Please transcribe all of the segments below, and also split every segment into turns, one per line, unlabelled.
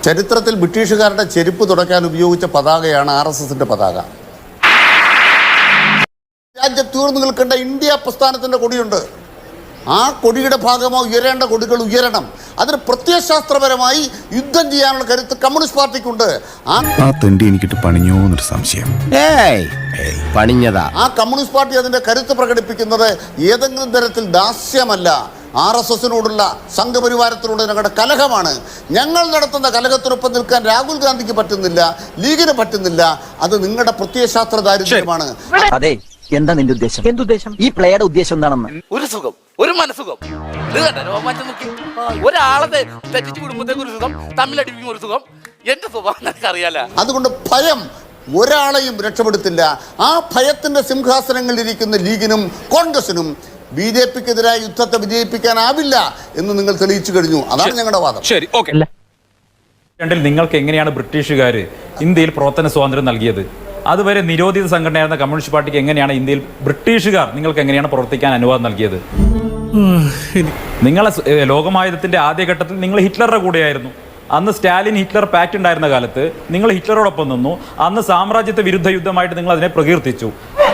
ചരിത്രത്തിൽ ബ്രിട്ടീഷുകാരുടെ ചെരുപ്പ് തുടയ്ക്കാൻ ഉപയോഗിച്ച പതാകയാണ് RSSന്റെ പതാക. രാജ്യത്തൂർന്നു നിൽക്കേണ്ട ഇന്ത്യ പ്രസ്ഥാനത്തിൻ്റെ കൊടിയുണ്ട്. ആ കൊടിയുടെ ഭാഗമായി ഉയരേണ്ട കൊടികൾ ഉയരണം. അതിന് പ്രത്യയശാസ്ത്രപരമായി യുദ്ധം ചെയ്യാനുള്ള കരുത്ത് കമ്മ്യൂണിസ്റ്റ് പാർട്ടിക്കുണ്ട്.
എനിക്കിട്ട് പണിഞ്ഞോ എന്നൊരു സംശയം.
ആ കമ്മ്യൂണിസ്റ്റ് പാർട്ടി അതിന്റെ കരുത്ത് പ്രകടിപ്പിക്കുന്നത് ഏതെങ്കിലും തരത്തിൽ ദാസ്യമല്ല, RSSനോടുള്ള സംഘപരിവാരത്തിനോട് ഞങ്ങളുടെ കലഹമാണ്. ഞങ്ങൾ നടത്തുന്ന കലഹത്തിനൊപ്പം നിൽക്കാൻ രാഹുൽ ഗാന്ധിക്ക് പറ്റുന്നില്ല, ലീഗിന് പറ്റുന്നില്ല. അത് നിങ്ങളുടെ പ്രത്യയശാസ്ത്ര ദാരിദ്ര്യമാണ്.
അതെ, എന്താ നിന്റെ ഉദ്ദേശം? എന്തുദ്ദേശം? ഈ പ്ലേയുടെ ഉദ്ദേശം എന്താണെന്ന്?
ഒരു സുഖം, ഒരു മനസുഖം. ഒരാളെ തെറ്റിച്ച് കുടുംബത്തേക്ക് ഒരു സുഖം, തമ്മിലടിപ്പിക്കും ഒരു സുഖം. എന്റെ സ്വഭാവം എനിക്കറിയാല.
അതുകൊണ്ട് ഭയം ഒരാളെയും രക്ഷപ്പെടുത്തില്ല. ആ ഭയത്തിന്റെ സിംഹാസനങ്ങളിൽ ഇരിക്കുന്ന ലീഗിനും കോൺഗ്രസിനും BJPക്കെതിരായ യുദ്ധത്തെ വിജയിപ്പിക്കാനാവില്ല എന്ന് നിങ്ങൾ തെളിയിച്ചു കഴിഞ്ഞു. അതാണ് ഞങ്ങളുടെ വാദം.
ശരി, ഓക്കെ. നിങ്ങൾക്ക് എങ്ങനെയാണ് ബ്രിട്ടീഷുകാർ ഇന്ത്യയിൽ പ്രവർത്തന സ്വാതന്ത്ര്യം നൽകിയത്? അതുവരെ നിരോധിത സംഘടനയായിരുന്ന കമ്മ്യൂണിസ്റ്റ് പാർട്ടിക്ക് എങ്ങനെയാണ് ഇന്ത്യയിൽ ബ്രിട്ടീഷുകാർ നിങ്ങൾക്ക് എങ്ങനെയാണ് പ്രവർത്തിക്കാൻ അനുവാദം നൽകിയത്? നിങ്ങളെ ലോകമായുധത്തിന്റെ ആദ്യഘട്ടത്തിൽ നിങ്ങൾ ഹിറ്റ്ലറുടെ കൂടെയായിരുന്നു. അന്ന് സ്റ്റാലിൻ ഹിറ്റ്ലർ പാക്ട് ഉണ്ടായിരുന്ന കാലത്ത് നിങ്ങൾ ഹിറ്റ്ലറോടൊപ്പം നിന്നു. അന്ന് സാമ്രാജ്യത്വ വിരുദ്ധ യുദ്ധമായിട്ട് നിങ്ങൾ അതിനെ പ്രകീർത്തിച്ചു.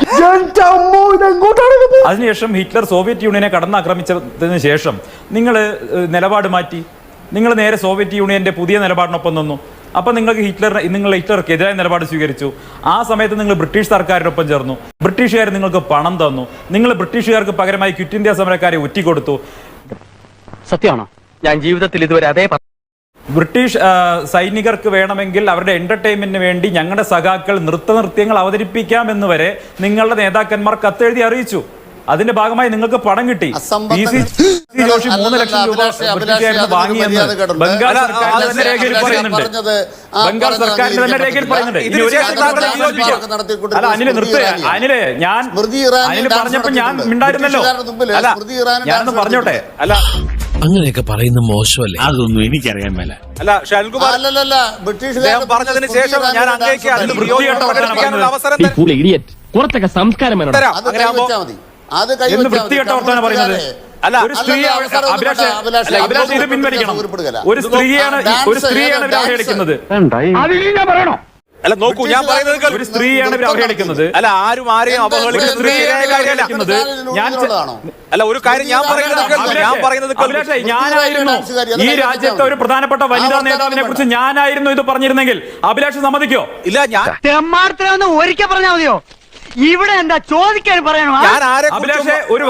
അതിനുശേഷം ഹിറ്റ്ലർ സോവിയറ്റ് യൂണിയനെ കടന്നാക്രമിച്ചതിന് ശേഷം നിങ്ങൾ നിലപാട് മാറ്റി. നിങ്ങൾ നേരെ സോവിയറ്റ് യൂണിയന്റെ പുതിയ നിലപാടിനൊപ്പം നിന്നു. അപ്പം നിങ്ങൾ ഹിറ്റ്ലർക്ക് എതിരായ നിലപാട് സ്വീകരിച്ചു. ആ സമയത്ത് നിങ്ങൾ ബ്രിട്ടീഷ് സർക്കാരിനൊപ്പം ചേർന്നു. ബ്രിട്ടീഷുകാർ നിങ്ങൾക്ക് പണം തന്നു. നിങ്ങൾ ബ്രിട്ടീഷുകാർക്ക് പകരമായി ക്വിറ്റ് ഇന്ത്യ സമരക്കാരെ ഒറ്റിക്കൊടുത്തു.
സത്യമാണോ? ഞാൻ ജീവിതത്തിൽ ഇതുവരെ അതേ
ബ്രിട്ടീഷ് സൈനികർക്ക് വേണമെങ്കിൽ അവരുടെ എന്റർടൈൻമെന്റിന് വേണ്ടി ഞങ്ങളുടെ സഖാക്കൾ നൃത്യങ്ങൾ അവതരിപ്പിക്കാമെന്ന് വരെ നിങ്ങളുടെ നേതാക്കന്മാർ കത്തെഴുതി അറിയിച്ചു. അതിന്റെ ഭാഗമായി നിങ്ങൾക്ക് പണം കിട്ടി. ജോഷി 3 ലക്ഷം രൂപ ബ്രിട്ടീഷുകാരിൽ വാങ്ങിയെന്ന് ബംഗാൾ സർക്കാരിന്റെ തന്നെ രേഖയിൽ പറയുന്നുണ്ട്. ബംഗാൾ സർക്കാരിന്റെ തന്നെ രേഖയിൽ പറയുന്നുണ്ട്. അല്ല അനിലെ അനിലെ ഞാൻ അനില് പറഞ്ഞപ്പോ ഞാൻ മിണ്ടായിരുന്നല്ലോ. അല്ല ഞാനൊന്ന് പറഞ്ഞോട്ടെ. അല്ല
അങ്ങനെയൊക്കെ പറയുന്ന മോശമല്ലേ?
അതൊന്നും എനിക്കറിയാൻ മേല.
അല്ല ഷാൽകുമാർ പറഞ്ഞതിന് ശേഷം ഞാൻ അങ്ങേക്ക് അതിൽ പ്രകടിപ്പിക്കാനുള്ള അവസരം
കുറച്ചൊക്കെ സംസ്കാരം
വൃത്തികെട്ട വർത്തമാനം പറയുന്നത്. അല്ല ഒരു സ്ത്രീയാണ് ഇത് പിൻവലിക്കണം. ഒരു സ്ത്രീയാണ് ഇവർ അവഹേളിക്കുന്നത്.
അല്ല നോക്കൂ, ഞാൻ പറയുന്നത്
ഒരു സ്ത്രീയാണ് ഇവർ അവഹേളിക്കുന്നത്.
അല്ല ആരും ആരെയും
അവഹേളിക്കുന്നത്.
അല്ല ഒരു കാര്യം ഞാൻ പറയുന്നത്
ഞാനായിരുന്നു ഈ രാജ്യത്തെ ഒരു പ്രധാനപ്പെട്ട വനിതാ നേതാവിനെ കുറിച്ച് ഞാനായിരുന്നു ഇത് പറഞ്ഞിരുന്നെങ്കിൽ അഭിലാഷ് സമ്മതിക്കോ?
ഇല്ല, ഞാൻ
ഒരിക്കൽ പറഞ്ഞാൽ മതിയോ? ഇവിടെ എന്താ ചോദിക്കാൻ പറയണോ?
അഭിലാഷ് ഒരു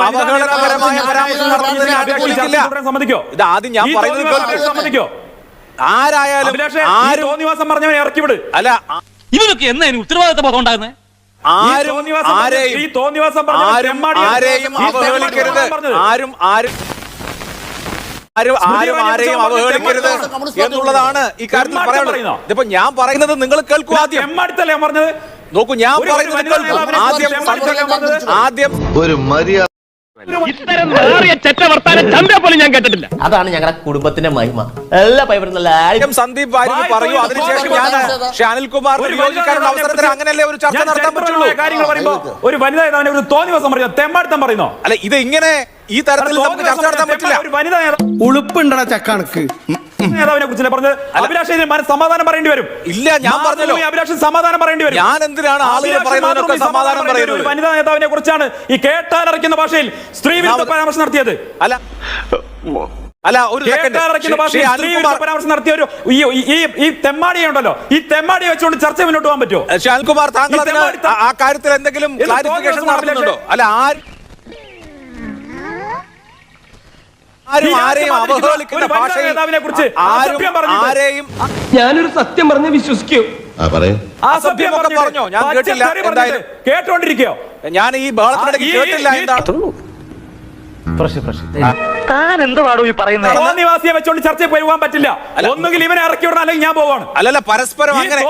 സമ്മതിക്കോ?
ഇത് ആദ്യം ഞാൻ പറയുന്നത്
സമ്മതിക്കോ?
ആരായാലും
തോന്നിവാസം പറഞ്ഞവനെ ഇറക്കി വിട്.
അല്ല
ഇവനൊക്കെ എന്നാ ഉത്തരവാദിത്ത ബോധം ഉണ്ടാകുന്നത്?
ആരെയും അവഹേളിക്കരുത്. ആരെയും അവഹേളിക്കരുത് എന്നുള്ളതാണ് ഈ കാര്യത്തിൽ പറയാനുള്ളത്. ഇതിപ്പോ ഞാൻ പറയുന്നത് നിങ്ങൾ കേൾക്കൂ. ആദ്യം
പറഞ്ഞത്
നോക്കൂ, ഞാൻ പറയുന്നത് ആദ്യം
ഒരു മര്യാദ.
ഞാൻ കേട്ടിട്ടില്ല.
അതാണ് ഞങ്ങളുടെ കുടുംബത്തിന്റെ മഹിമ. എല്ലാ പൈപ്പറും
സന്ദീപ് വാര്യർ പറയൂ. അതിനുശേഷം ഞാൻ അനിൽകുമാർ യോജിക്കാനുള്ള അവസരത്തിൽ അങ്ങനെയല്ലേ ഒരു ചർച്ച നടത്താൻ പറ്റുള്ളൂ.
കാര്യങ്ങൾ പറയുമ്പോ ഒരു വനിതാ നേതാവിനെ ഒരു തോന്നിവാസം പറയുന്നത് തെമ്മാടിത്തം പറയുന്നോ?
അല്ല ഇത് ഇങ്ങനെ ഈ തരത്തിൽ നമുക്ക് ചർച്ച നടത്താൻ പറ്റില്ല.
ഒരു വനിതാ
ഉളുപ്പുണ്ടടാ ചക്കണക്ക്
നേതാവിനെ കുറിച്ചല്ലേ പറഞ്ഞത്? അഭിലാഷിന് സമാധാനം പറയേണ്ടി വരും.
ഇല്ല, ഞാൻ പറഞ്ഞല്ലോ
അഭിലാഷിന് സമാധാനം പറയേണ്ടി വരും.
ഞാൻ എന്തിനാണ് ആളുകൾ പറയുന്നതിനൊക്കെ സമാധാനം പറയുന്നത്?
ഒരു വനിതാ നേതാവിനെ കുറിച്ചാണ് ഈ കേട്ടാലറിക്കുന്ന ഭാഷയിൽ സ്ത്രീ വിരുദ്ധ പരാമർശം നടത്തിയത്.
അല്ല ഒരു
പരാമർശം നടത്തിയ ഒരു ഈ തെമ്മാടിയെ ഉണ്ടല്ലോ, ഈ തെമ്മാടിയെ വെച്ചുകൊണ്ട് ചർച്ച മുന്നോട്ട് പോകാൻ പറ്റുമോ?
ഷാൽകുമാർ, താങ്കൾ ആ കാര്യത്തിൽ എന്തെങ്കിലും ക്ലാരിഫിക്കേഷൻ നടത്തുന്നുണ്ടോ? അല്ല ആരെയും അവഹേളിക്കുന്ന ഭാഷയിൽ
ഞാനൊരു സത്യം പറഞ്ഞ് വിശ്വസിക്കൂ.
അസഭ്യമൊക്കെ പറഞ്ഞോ? ഞാൻ കേട്ടില്ല. എന്തായാലും
കേട്ടോണ്ടിരിക്കോ?
ഞാൻ ഈ ബഹളത്തിനിടയ്ക്ക് കേട്ടില്ല. എന്താണ്
താൻ എന്തുവാടോ ഈ പറയുന്നത്?
തോന്നിവാസിയെ വെച്ചോണ്ട് ചർച്ചയിൽ പോകാൻ പറ്റില്ല. ഒന്നുകിൽ ഇവനെ ഇറക്കി വിടണം, അല്ലെങ്കിൽ ഞാൻ പോവാണ്.
അല്ലല്ല, പരസ്പരം അങ്ങനെ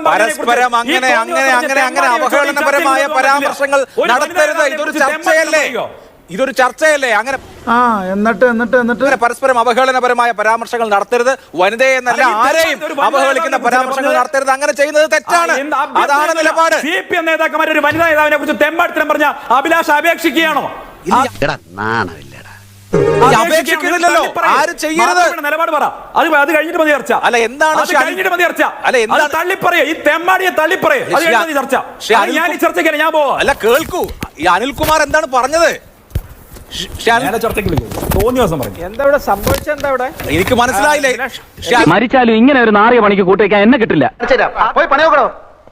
അവഹേളനപരമായ പരാമർശങ്ങൾ നടത്തരുത്. ഇതൊരു ചർച്ചയല്ലേ? അങ്ങനെ എന്നിട്ട് പരസ്പരം അവഹേളനപരമായ പരാമർശങ്ങൾ നടത്തരുത്. വനിതയെ എന്നല്ല, ആരെയും അവഹേളിക്കുന്ന പരാമർശങ്ങൾ നടത്തരുത്. അങ്ങനെ ചെയ്യുന്നത് തെറ്റാണ്. അതാണ് നിലപാട്.
CPM നേതാക്കന്മാർ ഒരു വനിതാ നേതാവിനെ കുറിച്ച് തെമ്മാടിത്തരം പറഞ്ഞ അഭിലാഷ് അപേക്ഷിക്കുകയാണോ?
അപേക്ഷിക്കുന്നില്ലല്ലോ. ആരും ചെയ്യരുത്.
നിലപാട് പറ. അത് കഴിഞ്ഞിട്ട് മതി ചർച്ച.
അല്ല, എന്താണ്
അത് കഴിഞ്ഞിട്ട് മതി ചർച്ച.
അല്ല, എന്താണ്
തള്ളിപ്പറയ ഈ തെമ്മാടിയെ തള്ളിപ്പറയ. അത് കഴിഞ്ഞിട്ട് മതി ചർച്ച. ഞാൻ ഈ ചർച്ചയ്ക്ക് ഞാൻ പോവാ.
അല്ല, കേൾക്കൂ, ഈ അനിൽകുമാർ എന്താണ് പറഞ്ഞത്?
ചർച്ചയ്ക്ക് തോന്നിയ ദിവസം പറഞ്ഞു.
എന്താ ഇവിടെ സംഭവിച്ചത്? എന്താ ഇവിടെ എനിക്ക് മനസ്സിലായില്ലേ?
മരിച്ചാലും ഇങ്ങനെ ഒരു നാറിയ പണിക്ക് കൂട്ടിവെക്കാൻ എന്നെ കിട്ടില്ല.
പോയി പണി നോക്കണോ?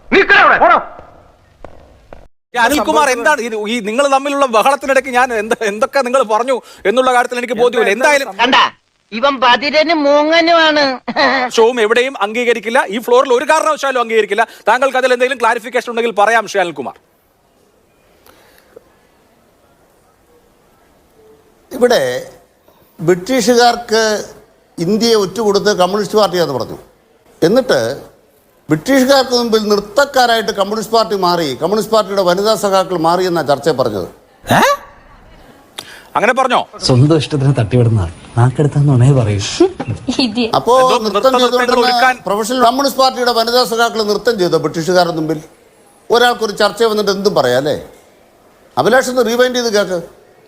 അനിൽകുമാർ എന്താണ് ഈ നിങ്ങൾ തമ്മിലുള്ള ബഹളത്തിനിടയ്ക്ക് ഞാൻ എന്തൊക്കെ നിങ്ങൾ പറഞ്ഞു എന്നുള്ള കാര്യത്തിൽ എനിക്ക് ബോധ്യമില്ല. എന്തായാലും
ഇവൻ ബദിരനും മൂങ്ങനുമാണ്.
ഷോവും എവിടെയും അംഗീകരിക്കില്ല. ഈ ഫ്ലോറിൽ ഒരു കാരണവശാലും അംഗീകരിക്കില്ല. താങ്കൾക്ക് അതിൽ എന്തെങ്കിലും ക്ലാരിഫിക്കേഷൻ ഉണ്ടെങ്കിൽ പറയാം ശ്രീ അനിൽകുമാർ.
ഇവിടെ ബ്രിട്ടീഷുകാർക്ക് ഇന്ത്യയെ ഒറ്റുകൊടുത്ത് കമ്മ്യൂണിസ്റ്റ് പാർട്ടിയാന്ന് പറഞ്ഞു. എന്നിട്ട് ബ്രിട്ടീഷുകാർക്ക് മുമ്പിൽ നൃത്തക്കാരായിട്ട് കമ്മ്യൂണിസ്റ്റ് പാർട്ടി മാറി, കമ്മ്യൂണിസ്റ്റ് പാർട്ടിയുടെ വനിതാ സഖാക്കൾ മാറി എന്നാ ചർച്ചയിൽ പറഞ്ഞത്.
അങ്ങനെ പറഞ്ഞോ?
സ്വന്തം ഇഷ്ടത്തിന് തട്ടിവിടുന്ന നാക്കെടുത്താന്നുണേ പറയൂ.
അപ്പോ നൃത്തം ചെയ്തുകൊണ്ടിരുന്ന പ്രൊഫഷണൽ കമ്മ്യൂണിസ്റ്റ് പാർട്ടിയുടെ വനിതാ സഖാക്കൾ നൃത്തം ചെയ്തോ ബ്രിട്ടീഷുകാരുടെ മുമ്പിൽ? ഒരാൾക്കൊരു ചർച്ച വന്നിട്ട് എന്തും പറയാം അല്ലേ? അഭിലാഷ് ഒന്ന് റീവൈൻഡ് ചെയ്ത് കേൾക്ക്.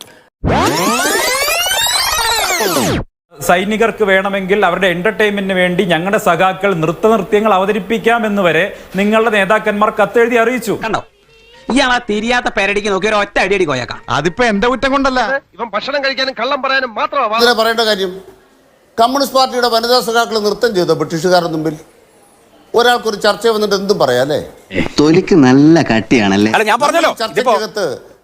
സൈനികർക്ക് വേണമെങ്കിൽ അവരുടെ എന്റർടൈൻമെന്റിന് വേണ്ടി ഞങ്ങളുടെ സഖാക്കൾ നൃത്യങ്ങൾ അവതരിപ്പിക്കാമെന്ന് വരെ നിങ്ങളുടെ നേതാക്കന്മാർ കത്തെഴുതി അറിയിച്ചു.
കണ്ടോ, ഇയാളാ തിരിയാത്ത പേരടിക്ക് നോക്കി ഒരു ഒറ്റ അടിയടി കോയക്കാം.
അതിപ്പോ എന്റെ കുറ്റം കൊണ്ടല്ല.
ഇവൻ ഭക്ഷണം കഴിക്കാനും കള്ളം പറയാനും മാത്രമാണ്.
അതിനെ പറയേണ്ട കാര്യം. കമ്മ്യൂണിസ്റ്റ് പാർട്ടിയുടെ വനിതാ സഖാക്കൾ നൃത്തം ചെയ്തോ ബ്രിട്ടീഷുകാരുടെ മുമ്പിൽ? ഒരാൾക്കൊരു ചർച്ച വന്നിട്ട് എന്തും പറയാം അല്ലേ?
തൊലിക്ക് നല്ല കട്ടിയാണല്ലേ.
അല്ല, ഞാൻ പറഞ്ഞല്ലോ,
ചർച്ചയ്ക്കകത്ത്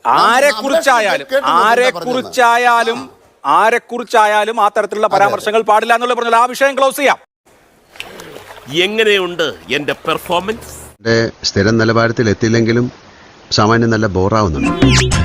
ആരെക്കുറിച്ചായാലും ആ തരത്തിലുള്ള പരാമർശങ്ങൾ പാടില്ല എന്നുള്ള പറഞ്ഞാൽ ആ വിഷയം ക്ലോസ് ചെയ്യാം.
എങ്ങനെയുണ്ട് എന്റെ പെർഫോമൻസ്?
സ്ഥിരം നിലവാരത്തിൽ എത്തിയില്ലെങ്കിലും സാമാന്യം നല്ല ബോറാവുന്നുണ്ട്.